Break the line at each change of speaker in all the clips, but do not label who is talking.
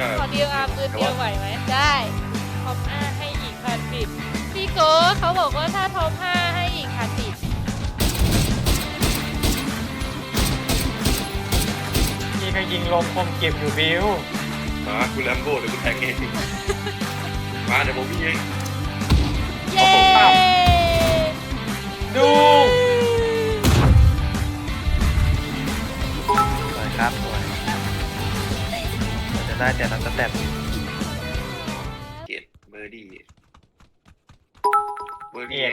ขอเดียวปืนเดียวไหวไหมได้ท็อป5ให้อีก1,000 บิตพี่โก้เขาบอกว่าถ้าท็อป5ให้อีก1,000 บิต
พี่ก็ยิงลมคมเก็บอยู่บิว
มาคุณแลมโบ้เดี๋ยวคุณแทงเองมาเดี๋ยวผมวิ่งเอง
เย้
ดู
สวยครับสวยจะได้แต่เราจะแตะ
เกตเบอร์ดี้เบอร์ดี้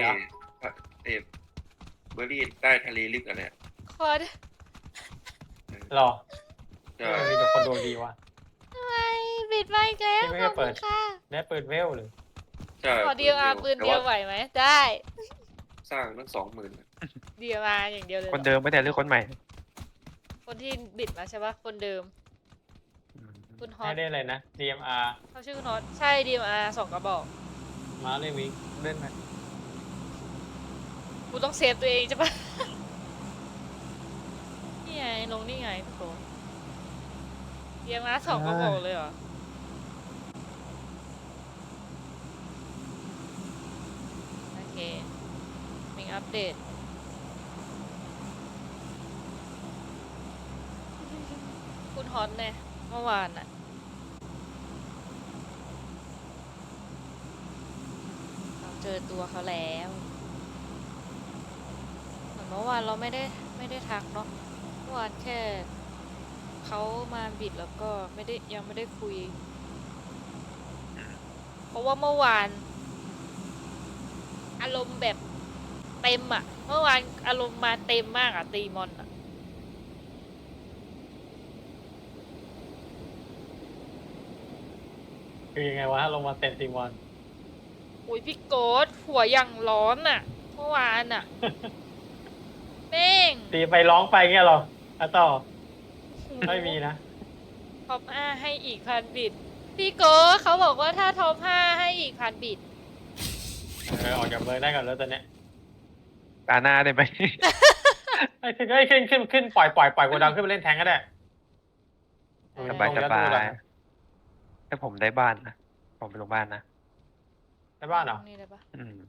เบอร์ดี้ใต้ทะเลลึกอะไรอ่ะ
คอร์ด
หรอ
ใช่
มีแต่คนดวงดีว่ะ
ทำไมบิดไปอีกแล้ว
พี่ไม่ได้เปิด
ขอบคุณค่ะ
ได้เปิดเวลเลย
ใช่
ขอเดียวปืนเดียวไหวไหมได้
สร้างตั้ง20,000
เดียวอย่างเดียวเลย
คนเดิมไม่แต่หรือคนใหม่
คนที่บิดมาใช่ปะคนเดิมคุณฮอ
ให้
ต
ได้เลยนะ DMR
เขาชื่อคุณฮอตใช่ DMR 2 กระบอก
มาเลยวิงเล่นไหม
กูต้องเซฟตัวเองใช่ปะ นี่ไงลงนี่ไงพี่โกDMR 2 กระบอกเลยเหรอโอเคมิงอัปเดตคุณฮอตเนี่ยเมื่อวานอะเราเจอตัวเขาแล้วเหมือนเมื่อวานเราไม่ได้ทักเนาะเมื่อวานแค่เขามาบิดแล้วก็ยังไม่ได้คุย เพราะว่าเมื่อวานอารมณ์แบบเต็มอะเมื่อวานอารมณ์มาเต็มมากอะตีมอนอะ
คือยังไงวะลงมาเต็มทีมวัน
อุ้ยพี่โกดหัวอย่างร้อนอะเมื่อวานอะ แม่ง
ตีไปร้องไปเงี้ยหรออะต่อไม่มีนะ
ท็อป5ให้อีก1,000 บิตพี่โกดเขาบอกว่าถ้าท็อป5ให้อีก1,000 บิต
ออกจากเบอร์ได้ก่อนแล้วตอนเนี้ย
ตาหน้าได้ไหม
ไอ้ขึ้นปล่อยโกดังขึ้นไปเล่นแทงก็ได้
สบาย
ลง
ส
แล้ว
บา
ดู
ย
แล้ว
ถ้าผมได้บ้านนะผมไปลงบ้านนะ
ได้บ้านเหรอ
นี่ได้ปะ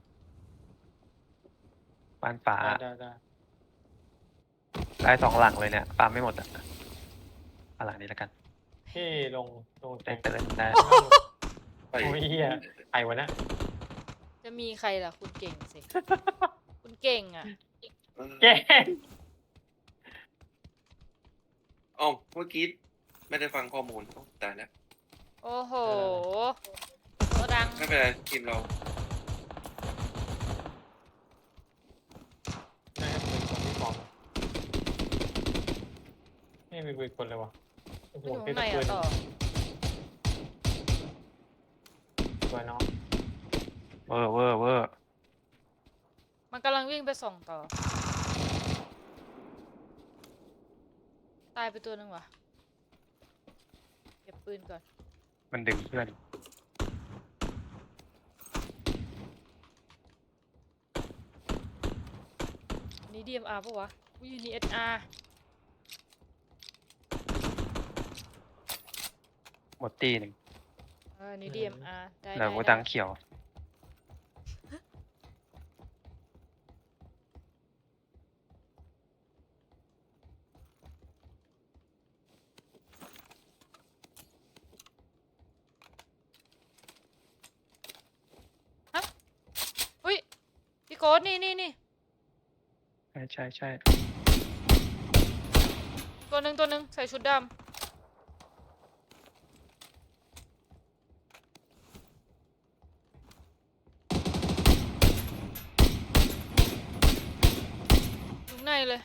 บ้านป่า
ได้
ได้2 หลังเลยเนี่ยปาไม่หมดอ่ะเอาหลังนี้แล้วกัน
พี่ลงแท
ได้
ง
เตือนได้
ไป
โอ้ยเหี้ยไอ้วะเนี่ย
จะมีใครล่ะคุณเก่งสิ คุณเก่งอะ
เก่ง
อ๋อเมื่อกี้ไม่ได้ฟังข้อมูลตายแล้ว
โอ้โหโกดัง
ไม่เป็นไรทีมเรา
ได้เป็นคนที่สองนี่มีปืนคนเลยวะโอ้โห
อยู่
เป็น
ข้างใน
ปื
อะ
น
ต่อ
ตัวน้อง
เวอร์เวอร์เวอร์
มันกำลังวิ่งไปส่องต่อ ตายไปตัวหนึ่งว่ะ เก็บปืนก่อน
มันดึงเพื่อน
อันนี้ DMR ปะวะอุ้ยอันนี้ SR
หมดตีหนึ่ง
อันนี้ DMR ได้
แล้วก็ดังเขียว
อุ้ยพี่โกดนี่
ใช่
ตัวหนึ่งใส่ชุดดำอยู่ในเลย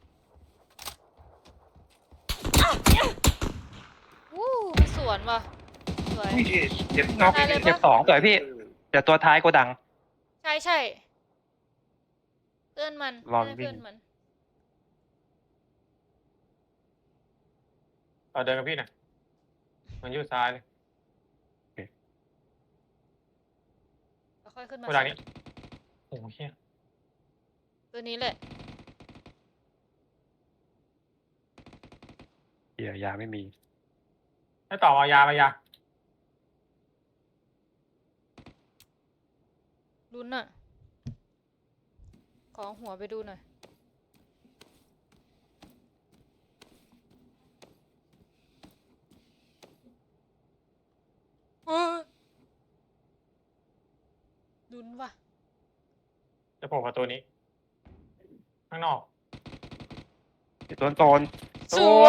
วู้มันสวนว่ะสวย
อุ้ยเจ็บ
นอก
ตายเลยปะ
เจ็บ2สวยพี่เดี๋ยวตัวท้ายโกดัง
ใช่เพื่อนมัน
รอน
ไม่
วิ่
ใช่
ง
เพื่อนมัน
เอาเดินกับพี่หน่อยมันอยู่ซ้ายเลย
แล้วค่อยขึ้นมา
โกดังนี้โอ้โหเฮีย
ตัวนี้แหละ
เดี๋ยวยาไม่มี
ให้ต่อเอายาไปยา
ลุ้นอะขอหัวไปดูหน่อยเฮ้ยลุ้นว่ะ
จะโผล่ประตูนี้ ข้างนอก
โดนโซน
สวย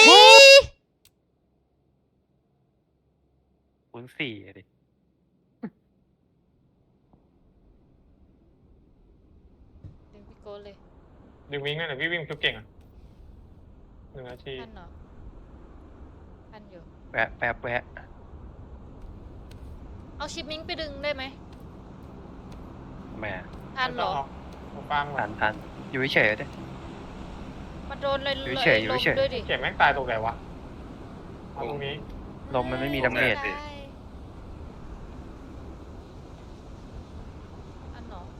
04อะดิ
ดึงพี่โก้เลย
ดึงวิ่งนั่นแหละพี่วิ่งชุบเก่งอ่ะ1 นาที
ทันเหรอทันอยู่
แวะแป๊บแวะ
เอาชิปมิ้งไปดึงได้ไหม
แหม่
ทันเหรอ
ผมฟังแบ
ทั
บ
นทันอยู่เฉยๆดิ
มันโดนเลย
อยู่เฉยอยู่
ลม
เฉย
ด้วยดิ
เก็บแม่งตายตรงไหนวะเอาตรงนี้
ลมมันไม่มีดาเมจ
ได้อันเหรอ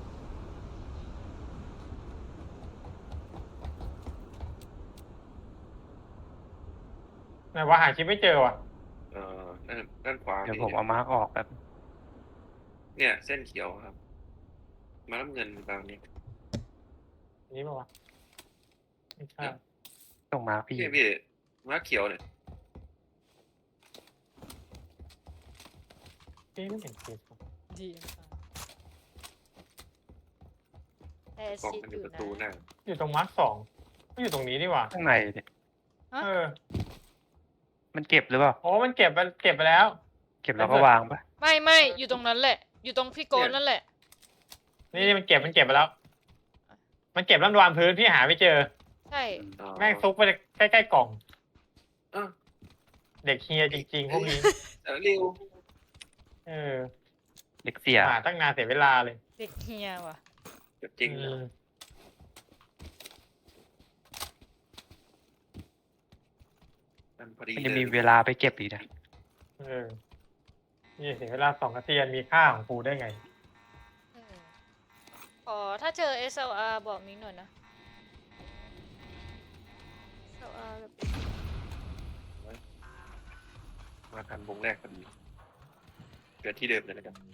ไหนว่าหาชิปไม่เจอว่ะ
ด้านขวา
เดี๋ยว
นี่
ผมเอามาร์กออกแบบ
เนี่ยเส้นเขียวครับ มาน้ำเงินบางนี้
อันนี้ป่าวะไม่ใช่
ตรงมาร์กพี่
พี่มาเขียวเนี่ย
พี่ไม่เห็นชิป
ดีแต่
กล่อง
ชิป
มันอ
อยู่ ยู่
ประ
นะ
ตูหน้า
อยู่ตรงมาร์ค2ไม่อยู่ตรงนี้นี่หว่า
ข้างในดิ
ฮะ
เออ
มันเก็บหรือเปล่า
โอ้มันเก็บไปแล้ว
เก็บแล้วก็วางปะ
ไม่อยู่ตรงนั้นแหละ อยู่ตรงพี่โก้นั่นแหละ
นี่มันเก็บไปแล้ว มันเก็บแล้ววางพื้นพี่หาไม่เจอ
ใช่
อ๋อ
แม่งซุกไปใกล้ๆกล่อง
อ้าว
เด็กเฮียจริงๆพวกนี้
เร็ว
เออ
เด็กเสีย
หาตั้งนานเสียเวลาเลย
เด็กเฮียว่ะ
จริง
อืม
มันพอดี
มัน
เล
ยังมี
ย
เวลาไปเก็บอีกนะ
เออนี่เสียเวลา2 นาทีมีค่าของกูได้ไง
ขอถ้าเจอ SLR บอกมิ้งหน่อยนะ SLR แบบ
มาทันวงแรกพอดีเกิดที่เดิมเลยนะครับ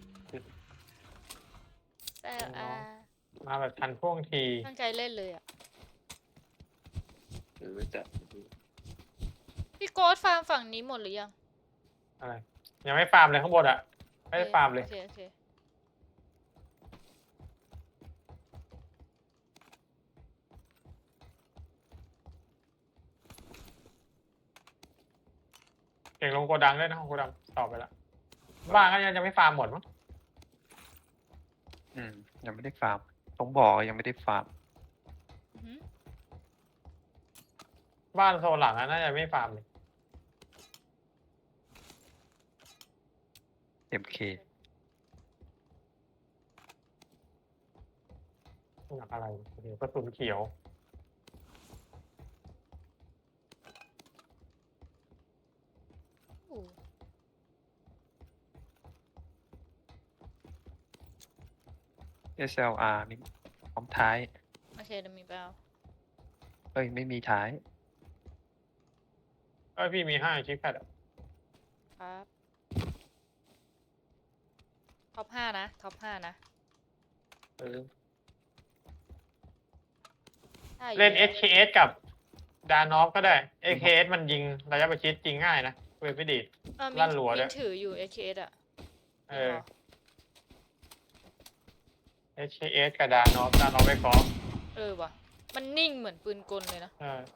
SLR
มาแบบทันท่วงที
ตั้งใจเล่นเลยอ่ะ
หรือจะ
พี่โก้ฟาร์มฝั่งนี้หมดหรือยัง
อะไร ยังไม่ฟาร์มเลยข้างบนอ่ะ ไม่ได้ฟาร์มเลย
โอเค
เก่งลงโกดังด้วยนะโกดังตอบไปละบ้านก็ยังจะไม่ฟาร์มหมดมั้ง
ยังไม่ได้ฟาร์มต้องบอกว่ายังไม่ได้ฟาร์ม
อือหือ
บ้านโซนหลังอะน่าจะไม่ฟาร์มเลย
MK
หนักอะไรโอ้โหกระสุนเขียว
อู้
SLR นี่พร้อมท้าย
โอเคเดี๋ยวมีไปเอา
เอ้ยไม่มีท้าย
ก็พี่มี5ชิปแพดอะ
ครับท็อป5นะท็อป5นะ
เออ
ถ้าอยู่
เล่น
แล้ว
SKS กับดานอฟก็ได้ SKS มันยิงระยะประชิดจริงง่ายนะเวทไม่ดีด
มิ้
ลั่
ง
นรัวด้วย
มิ้งถืออยู่ AKS อ่ะ
เออ SKS กับดานอฟไปขอ
ว่ะ มันนิ่งเหมือนปืนกลเลยนะ
เออ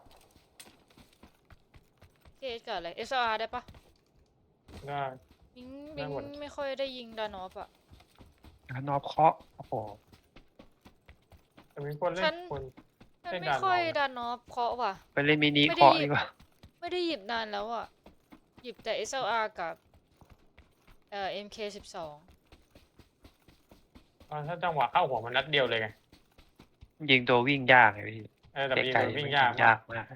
AKS กับอะไร SLR ได้ปะ
ได้
มิ้ง
ได้
มิ้ง
หมด
ไม่ค่อยได้ยิงดานอฟอ่ะ
นอบเคาะโอ้โห
แต่มีคนเล่
ฉั
น
น
คน
มัน
เล่น
ไม่
ดานอฟ
ค่อย
นะ
ดานอฟเคาะว่ะ
ไปเล่นมินิ
ไม่ได้
เคาะ
หยิบ
ดีกว่า
ไม่ได้หยิบนานแล้วอ่ะ หยิบแต่ SLR กับMK12
ถ้าจังหวะเข้าหัวมันนัดเดียวเลยไง
ยิงตัววิ่งยากไงพี่
เออแต่ยิง
ไกล
โดน
ๆ
วิ่ง
มัน
ยาก
ยิง
มาย
าก กมาก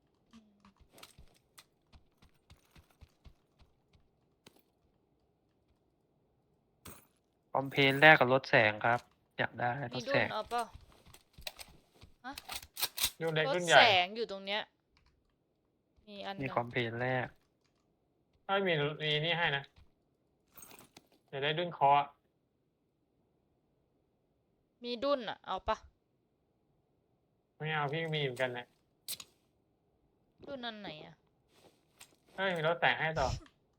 คอมเพลนแรกกับรถแสงครับ อยากได้ร
มี
ถ
ดุ
แส
น
ง
เอาเปล่า
รุ่นเล็ก
รถ
รุ่นให
แส
ญ่
งอยู่ตรงเนี้ย มีอันห
นี่
นึ่ง
คอมเพลนแรก
ถ้ามีนี่ให้นะจะได้ดุนคออะ
มีดุนอ่ะ เอาปะ
ไม่เอาพี่มีเหมือนกันเนี่ย
ดุนอันไหนอ่ะ
เฮ้ยมีรถแสงให้ต่อ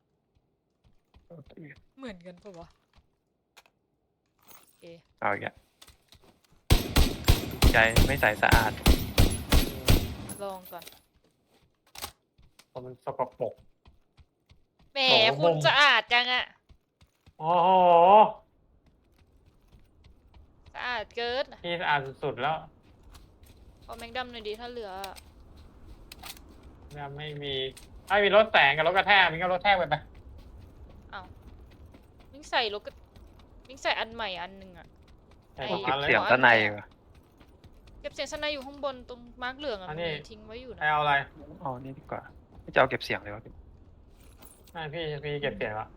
เหมือนกันปะวะโอเค
เอาอีกแล้วใจไม่ใสสะอาด
ลองก่อน
ผมมันสกปรก
แหม
โอ้โห
คุณสะอาดจังอะ
โอ้โห
สะอาดเกิน
พี่สะอาดสุดๆแล้ว
ขอแม็กดัมหน่อยดีถ้าเหลืออะ
ยังไม่มีไอ้มีรถแสงกับรถกระแทกมีก็รถแทกไปไป
เอามิ้งใส่รถก็มิ้งใส่อันใหม่อันหนึ่งอะ
ใส่
ไอ้
ของ
เก็
ร้า
บ
นเลย
เสียงด้านในวะ
เก็บเสียงสนายอยู่ข้างบนตรงมาร์กเหลืองอะ
อั
มัน น
นี้
มีทิ้งไว้อยู่
ใคร
นะ
เอาอะไร
อ๋อนี่ดีกว่าไม่จะเอาเก็บเสียงเลยวะ
ไม่พี่เก็บเสียงละ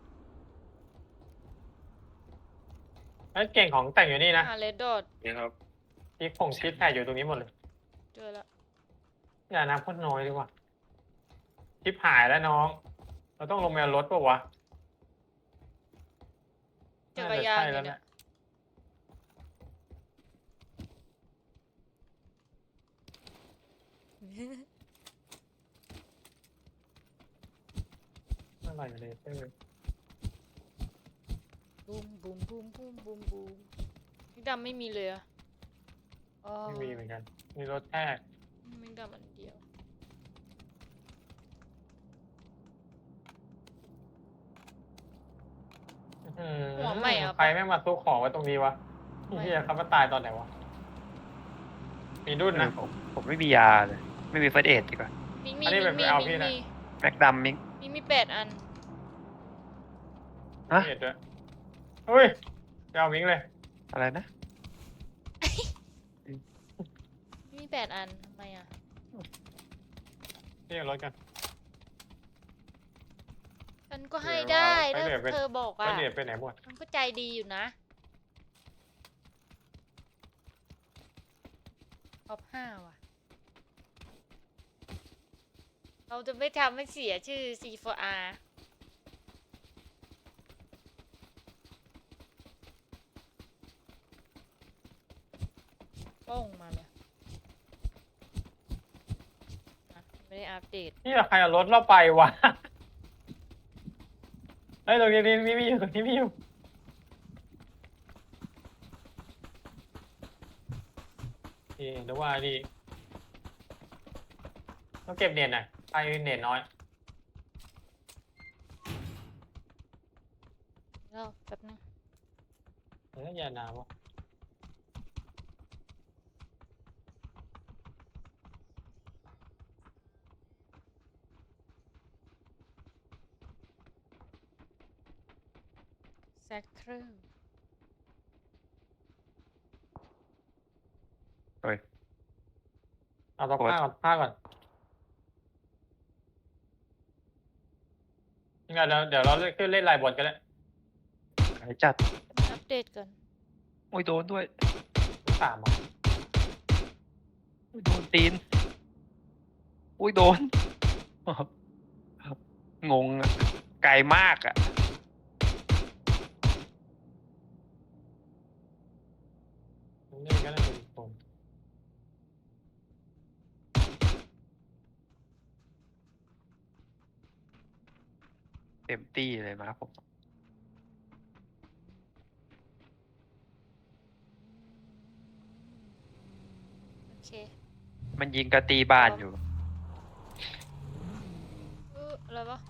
ไอ้ยเก่งของแต่งอยู่นี่นะ
เลดดอท
เนี่ยครับ
ชิดแผ่อยู่ตรงนี้หมดเลย
เจอละ
อย่าน้ำพ่นน้อยดีกว่าชิปหายแล้วน้อง เราต้องลงไปเอารถป่ะวะ
จักรยาน
ใช่
อ
แล้
ยู่
ว
เนี่
เนี่ย
ย
อะไรเลย
บูมบูมบูมบูมบูมบูมแม็กดัมไม่มีเลยอะอ๋อ
ไม่มีเหมือนกัน มีรถแทก
แม็กดัมอันเดียว หัวใหม่อะ
ใครไม่มาซุกของไว้ตรงนี้วะ
ไม่
เฮียเขามาตายตอนไหนวะ มีดุนนะ
ผมไม่มียาเลย ไม่มีเฟิร์สเอดดีกว่า
มิงมี
อันนี้
มิงมี
ไปเอา
มิ
พี่
ง
นะ
มี
แม็กดัมมิง
มี8 อัน
ฮะ
เห็ดด้วยเฮ้ยจะเอามิงเลย
อะไรนะ
มี8 อันทำไมอะ
เรียกรถกัน
ฉันก็ให้
เดี๋ยว
ได้
ไป
ถ้า
เดี๋ยวไป
เธอบอก
ก็
อะ
เดือดไปไหนหมด
มันก็ใจดีอยู่นะท็อป5ว่ะ เราจะไม่ทำให้เสียชื่อ C4R ป้องมาเลยอ่ะไม่ได้อัปเดต
นี่ใครเอารถเราไปวะ เฮ้ยตรงนี้นี่มีอยู่ตรงนี้มีอยู่นี่เดี๋ยวว่านี่ต้องเก็บเน็ตหน่อยไปเน็ตน้อย
แล้วแป๊บนึง
เฮ้ยอย่าหนาววะ
แซคเคอร์
เฮ้ย
เอาตัวผ้าก่อนงั้นเดี๋ยวเราขึ้นเล่นลายบอลกันแล้ว
หายจัด
อัปเดตก่อน
โอ้ยโดนด้วย
สามอ่ะ
โอ้ยโดนตีนโอ้ยโดน งงอะไกลมากอะ
นี่ก็ได้เป็นคน
เต็มตี้เลยมาผม
โอเค
มันยิงกระตีบ้านอยู่
อะไรวะ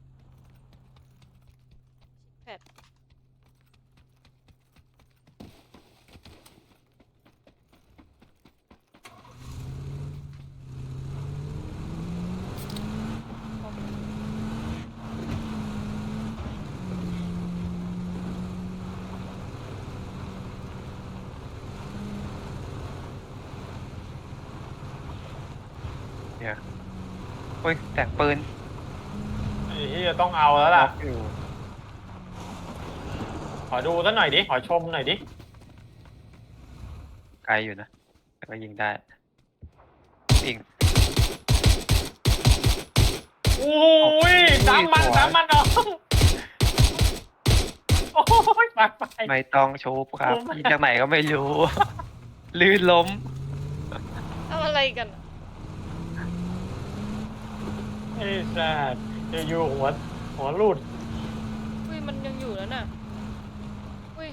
แพด
เนี่ยโอ้ยแต่งปืน
ไอ้ที่จะต้องเอาแล้วล่ะ
อยู่
ขอดูซะหน่อยดิ ขอชมหน่อยดิ
ไกลอยู่นะแต่ก็ยิงได้ยิง
โอ้ยสามมันน้องโอ้ยปากไป
ไม่ต้องโชว์ครับ
ผม
ยิงจากไหนก็ไม่รู้ ลื่นล้ม
ทำอะไรกันอะ
ไอ้สัสอยู่ๆหัวรูด
อุ้ยมันยังอยู่แล้วน่ะอุ้ย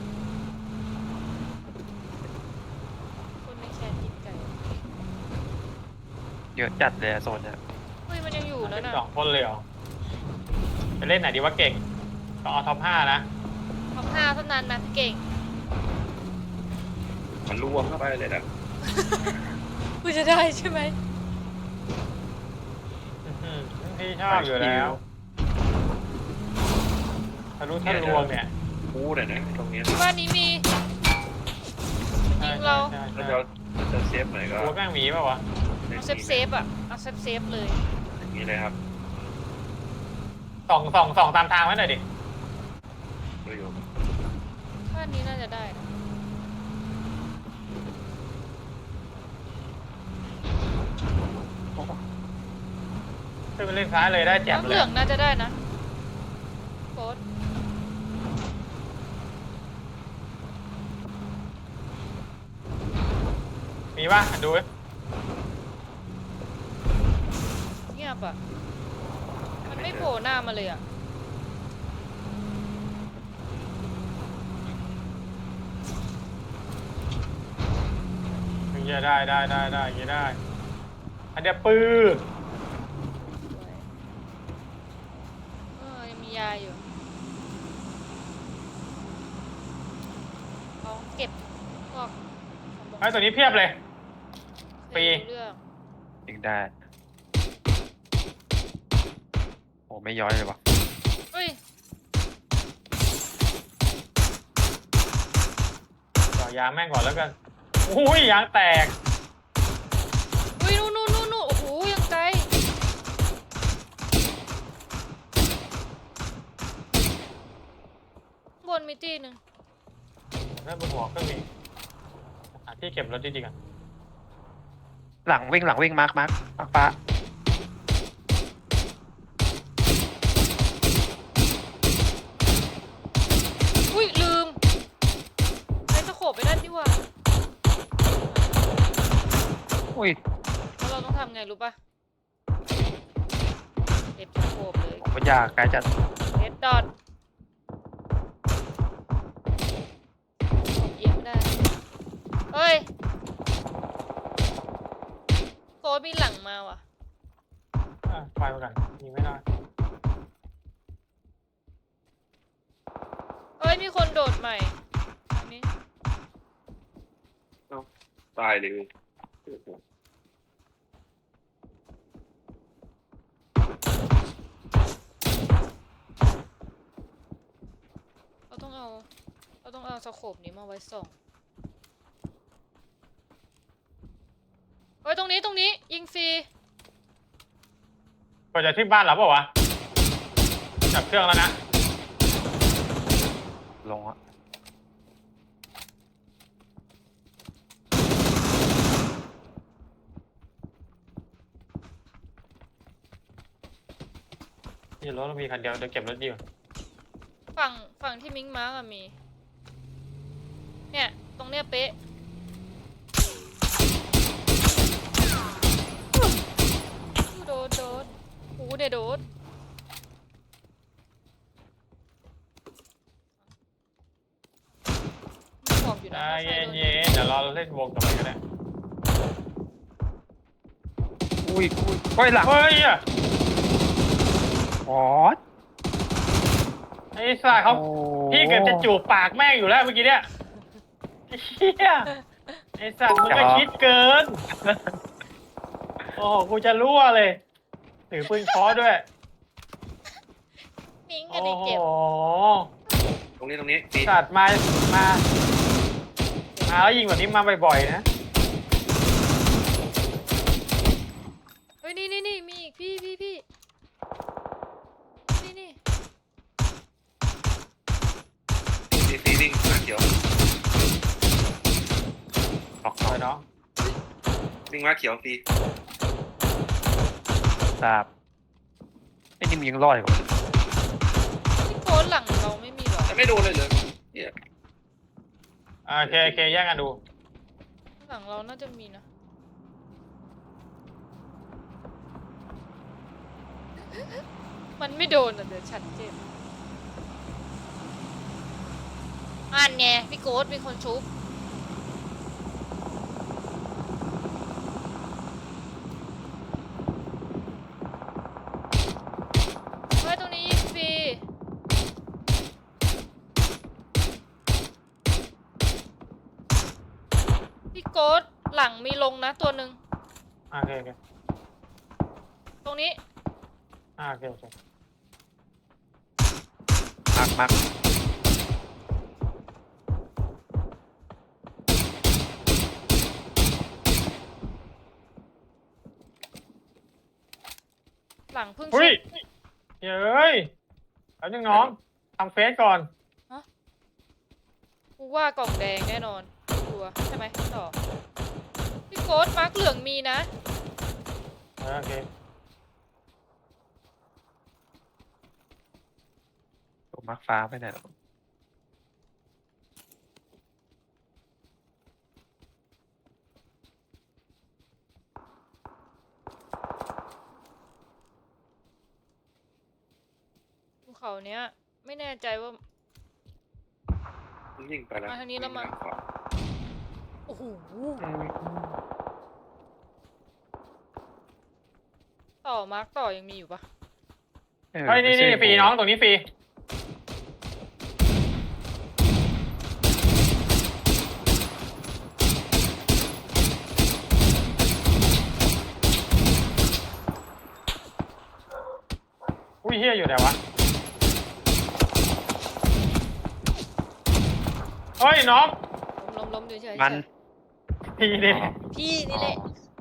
คนในแคนยิงไก่
เยอะจัดเลยอะโซนเนี่ย
อุ้ยมันยังอยู่แล้วน่ะ
12 คนเลยเหรอไปเล่นไหนดีว่าเก่งก็เอาท็อป 5 นะ
ท็อป5เท่านั้นนะพี่เก่ง
มันรวมเข้าไปเลยนะ
กูจะได้ใช่ไหม
พี่ชอบอยู่แล้วทะลุทะลวงเนี่ย
พูดเลยนะตรงเนี้ย
บ้านนี้มี ยิงเรา
ใช่
ถ้า
ใช่
จะเซฟหน่อยก็
ตัวแม่งหมีป่าวะ
เอาเซฟอ่ะเอาเซฟเลย
อย่างนี้เลยครับ
ส่องตามทางไว้หน่อยดิ
ดูอยู่
บ้านนี้น่าจะได้นะ
ขึ้นไปเล่นซ้ายเลยได้แจ่ม
น้ำ
เล
เห
ย
ลืองน่าจะได้นะโค้ด
มีป่ะดูดิ
เงียบอ่ะ มันไม่โผล่หน้ามาเลยอ่ะ
ถึงจะได้อย่างนี้ได้อันเดียวปื้อ
ยังมียาอยู่ลองเก็บพวก
ไอ้ตัวนี้เพียบเลย ปี
เรื่อง
ยิงได้ โอ้ไม่ย้อยเลยวะ
เฮ้ย
ต่อยางแม่งก่อนแล้วกันอุ้ยยางแตก
อุ้ยนู่นโอ้โหยังไกลบนมีตีหนึ่ง
แล้วบนหัวก็มีหาที่เก็บรถดีๆกัน
หลังวิ่งมาร์คฟ้า
อุ้ยลืมไอ้ตะโขบไปนั่นดีกว่า
อุ้ย
แล้วเราต้องทำไงรู้ป่ะเด็ดตะโขบเลย
ผมก็ยากไกลจัด
เด็ดดอทเอียงไม่ได้เฮ้ยโค้ดมีหลังมาว่ะ
ไฟมากันยิงไม่ได้
เฮ้ยมีคนโดดใหม่อันนี้
ตายเลย
เราต้องเอาสโคปนี้มาไว้ส่องเฮ้ยตรงนี้ยิงฟรี
ก็จะที่บ้านเราเปล่าวะจับเครื่องแล้วนะ
ลงอะ
นี่รถเรามีคันเดียวเดี๋ยวเก็บรถดีกว่า
ฝั่งที่มิงมาร์กอะมี เนี่ย ตรงเนี้ยเป๊ะโดดหูเดโดดมีขอบอยู่
ใจ
นะ
เย็นๆเดี๋ยวเราเล่นวงกับมันก็ได้
อุ้ยโอ้ยหลัง
เฮ้ยอะ
อ๋อ
ไอ้สัสเขา
โอ้
พี่เกือบจะจูบปากแม่งอยู่แล้วเมื่อกี้เนี่ยเฮียไอ้สัตว์มึงก็คิดเกิน โอ้โหกูจะรั่วเลย ถือปืนเคอด้วย
มิงกั
โอ้
นดิ
โห
เก็บ
ตรงนี้ปี
สัตว์มาแล้วยิงแบบนี้มาบ่อยๆนะ
เฮ้ยนี่มีอีกพี่นี่
ซีวิ่งหน้าเขียว
ออก
ปล่อยน้อง
วิ่งมาเขียวซี
ทราบไอ้นี่มันยังรอดอยู่วะ
ที่โค้ดหลังเราไม่มีหรอ
แต่ไม่ไม่โดนเลยเลยเนี่ย
โอเคโอเคแยกกันดู
หลังเราน่าจะมีนะ มันไม่โดนอ่ะเดี๋ยวชัดเจนอันไงพี่โกดมีคนชุบเฮ้ยตรงนี้ยิงฟรีพี่โกดหลังมีลงนะตัวหนึ่ง
โอเคโอเค
ตรงนี้
โอเคโอเค
มัก
หลังเพิ่ง
อุ้ย
ชุบ
เฮ้ยแล้วนึงน้องทำเฟซก่อน
กูว่ากล่องแดงแน่นอนชัวร์ใช่ไหมต่อพี่โกดมาร์กเหลืองมีนะ
โอเค
ตัวมักฟ้าไปไหนหรอ
ภูเขาเนี้ย ไม่แน่ใจว่า
ยิงไปแล้ว
มาทางนี้แล้วมั้ง
ขวา
โอ้โหต่อมาร์กต่อยังมีอยู่ปะ
เฮ้ยนี่นี่ฟรีน้องตรงนี้ฟรีอุ้ยเฮียอยู่ไหนวะเฮ้ยน้อง
ล้มเฉยๆ
มัน
ทีเด็ด
พี่นี่แหละ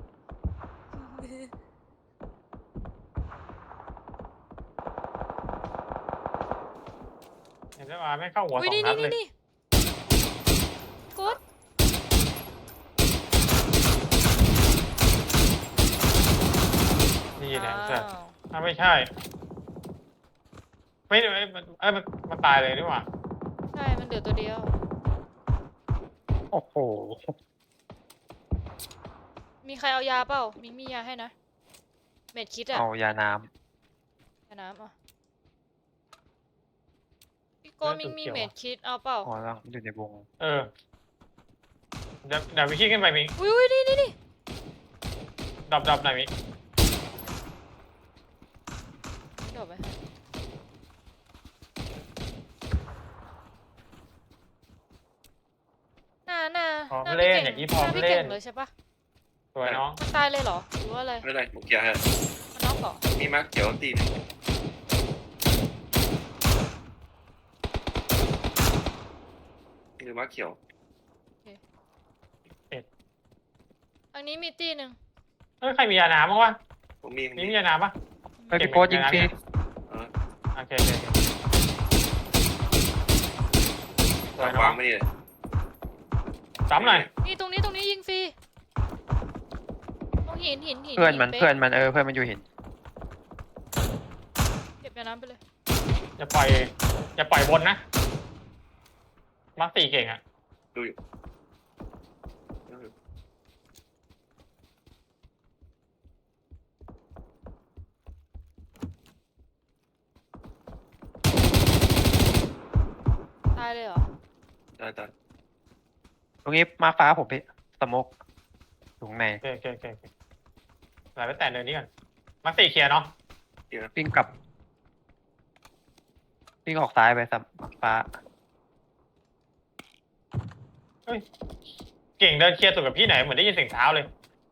เห็นไหมว่าไม่เข้าหัวส
อุ้ย
อง
นี่
นั
นี่
ดเลย
นี่โกด
นี่แหละใช่
อ้าว
ไม่ใช่ไม่มันตายเลยนี่หว่า
ใช่มันเดือดตัวเดียว
โอ้โห
มีใครเอายาเปล่ามิงมียาให้นะ เม็ดคิดอะ
เอายาน้
ยาน้ำอ่ะพี่โกมิงมีเม็ดคิดเอาเปล่า
ำอ๋อแล้วอยู่ในวง
เออเดี๋ยววิคีขึ้นไปมิง
อุ้ยนี่
ดับหน่อยมิง
ดอกไปน่า
พร้อม
น่า
เล่น
พี่
อย่าง
ก่
นี้พร้อม
น่าพี่
เล่
เก่
น
งเลยใช่ปะ
สวยน้อง
มันตายเลยเหรอหรือว่าอะไร
ไม่ได้ผมเคลียร์ให้
มันน็อกเหรอ
มีมาร์คเขียวตีหนึงหรือมาร์คเขียว
อันนี้มีตีหนึ่ง
เฮ้ยใครมียาน้ำบ้างวะ
ผมมี
มียาน้ำปะ
เฮ้ยพี่โป๊ตยิงฟรี
เออ
โอเคโอเคสวยน้อ
วาง งไม่นี่เลย
ซ้ำหน่อย
นี่ตรงนี้ยิงฟรีตรงหิน
เพื่อนมัน
ป๊ะ
เพื่อนมันเพื่อนมันอยู่หิน
เก็บยาน้ำไปเลย
อย่าปล่อยบนนะมาร์คสี่เก่งอ่ะ
ดูอยู่เออ
ตายเลยเหรอ
ได้
ตรงนี้มาฟ้าผมพี่สโมกอยู่ข้างใน
โอเคไหลไปแต่เดินนี้ก่อนมาร์คสี่เคลียร์เนาะ
วิ่งกลับวิ่งออกซ้ายไปสัมฟ้า
เก่งเดินเคลียร์สุดกับพี่ไหนเหมือนได้ยินเสียงเท้าเลย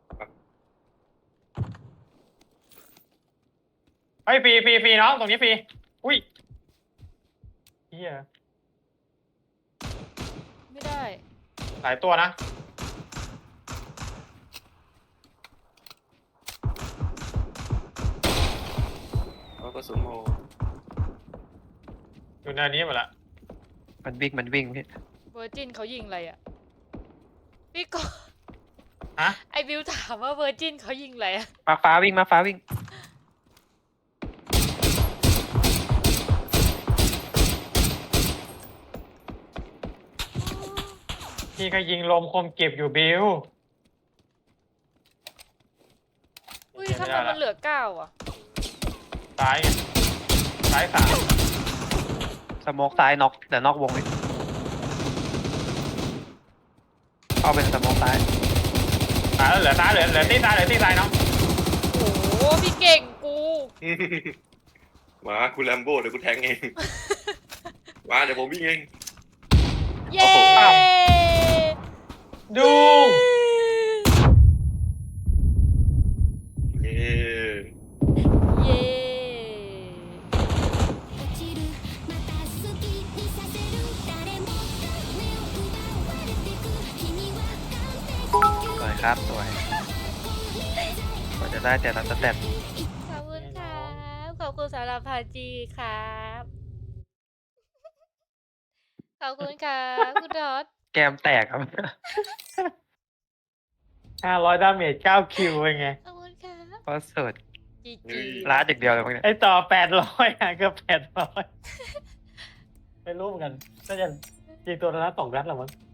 เฮ้ยฟรีน้องตรงนี้ฟรีอุ้ยเฮีย
ไม่ได้
หลายตัวนะ
แล้วก็สุนโม
อยู่ในนี้หมดละ
มันวิ่งพี่
เวอร์จินเขายิงอะไรอ่ะ พี่โก
ฮะ
ไอบิวถามว่าเวอร์จินเขายิงอะไรอ่ะ
มาฟ้าวิ่ง
พี่ก็ยิงลมคมเก็บอยู่บิว
อุ้ยทำไมมันเหลือ9อ่ะ
ซ้ายไงซ้ายสาม
สโมกซ้ายน็อกเดี๋ยวนอกวงนี้เข้าเป็นสโมกซ้าย
ซ้ายแล้วเหลือซ้ายเหลือที่ซ้ายเหลือที่ซ้ายเนาะ
โอ้โหพี่เก่งกู
มากูแลมโบ้เดี๋ยวกูแทงเองมาเดี๋ยวผมวิ่งเอง
เย้
ดู
เย้
เย้
สวยครับสวยกว่าจะได้แต่ละสเต็ป
ขอบคุณครับขอบคุณสำหรับพาจีครับขอบคุณครับคุณดอท
แกมแตกครับ
500 ดาเมจ9 คิวเป็นไง
ขอบคุณครับ
เพราะสุด
จีจี
ล้าดอย่างเดียวเลยมั้งเนี่ย
ไอต่อ800เกือบ800ไม่รู้เหมือนกันน่าจะยิงตัวละ2 นัดหรอมั้ง